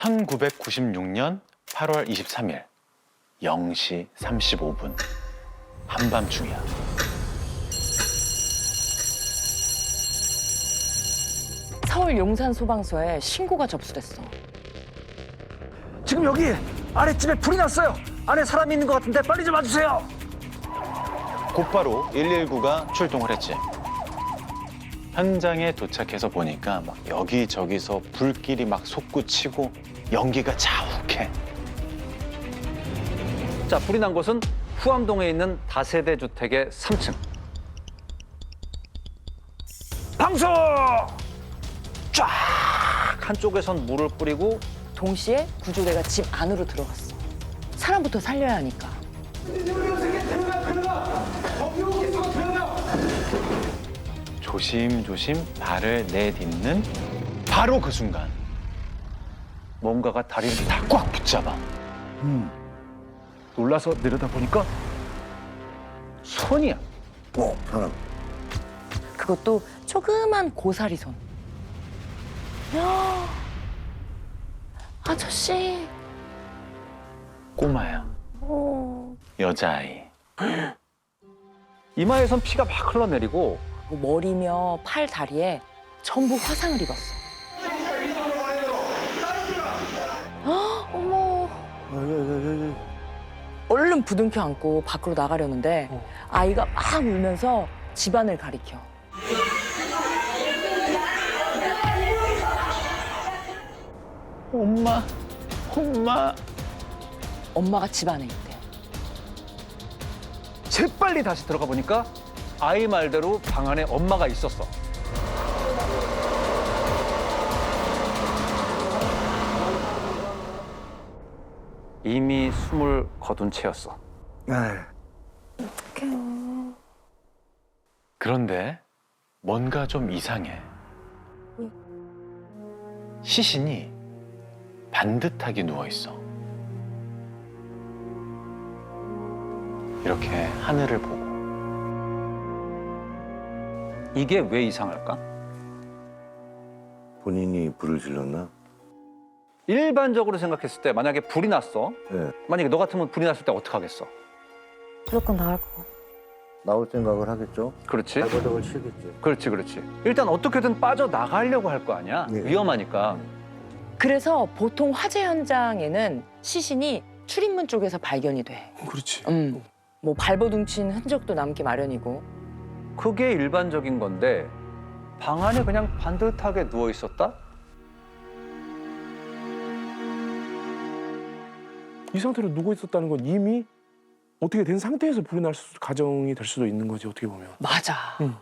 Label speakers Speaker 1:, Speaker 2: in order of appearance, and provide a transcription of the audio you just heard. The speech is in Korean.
Speaker 1: 1996년 8월 23일 0시 35분 한밤중이야.
Speaker 2: 서울 용산 소방서에 신고가 접수됐어.
Speaker 3: 지금 여기 아랫집에 불이 났어요. 안에 사람이 있는 것 같은데 빨리 좀 와주세요.
Speaker 1: 곧바로 119가 출동을 했지. 현장에 도착해서 보니까 막 여기저기서 불길이 막 솟구치고 연기가 자욱해.
Speaker 4: 자, 불이 난 곳은 후암동에 있는 다세대 주택의 3층.
Speaker 3: 방수!
Speaker 4: 쫙 한쪽에선 물을 뿌리고
Speaker 2: 동시에 구조대가 집 안으로 들어갔어. 사람부터 살려야 하니까.
Speaker 1: 조심조심 발을 내딛는 바로 그 순간 뭔가가 다리를 다 꽉 붙잡아.
Speaker 3: 놀라서 내려다보니까
Speaker 4: 손이야.
Speaker 3: 사람.
Speaker 2: 그것도 조그만 고사리 손. 야, 아저씨.
Speaker 1: 꼬마야.
Speaker 2: 어.
Speaker 1: 여자아이.
Speaker 4: 이마에선 피가 막 흘러내리고
Speaker 2: 머리며 팔, 다리에 전부 화상을 입었어. 어머. 얼른 부둥켜 안고 밖으로 나가려는데 아이가 막 울면서 집안을 가리켜.
Speaker 1: 엄마, 엄마.
Speaker 2: 엄마가 집 안에 있대.
Speaker 4: 재빨리 다시 들어가 보니까 아이 말대로 방 안에 엄마가 있었어. 이미 숨을 거둔 채였어.
Speaker 1: 그런데 뭔가 좀 이상해. 시신이 반듯하게 누워 있어. 이렇게 하늘을 보고.
Speaker 4: 이게 왜 이상할까?
Speaker 5: 본인이 불을 질렀나?
Speaker 4: 일반적으로 생각했을 때 만약에 불이 났어.
Speaker 5: 네.
Speaker 4: 만약에 너 같으면 불이 났을 때 어떡하겠어?
Speaker 6: 무조건 나갈 거.
Speaker 5: 나올 생각을 하겠죠?
Speaker 4: 그렇지?
Speaker 5: 발버둥을 치겠지.
Speaker 4: 그렇지. 일단 어떻게든 빠져나가려고 할 거 아니야?
Speaker 5: 네.
Speaker 4: 위험하니까.
Speaker 2: 그래서 보통 화재 현장에는 시신이 출입문 쪽에서 발견이 돼.
Speaker 3: 그렇지.
Speaker 2: 뭐 발버둥 친 흔적도 남기 마련이고.
Speaker 4: 그게 일반적인 건데 방 안에 그냥 반듯하게 누워 있었다?
Speaker 3: 이 상태로 누워 있었다는 건 이미 어떻게 된 상태에서 불이 날 가정이 될 수도 있는 거지 어떻게 보면.
Speaker 2: 맞아.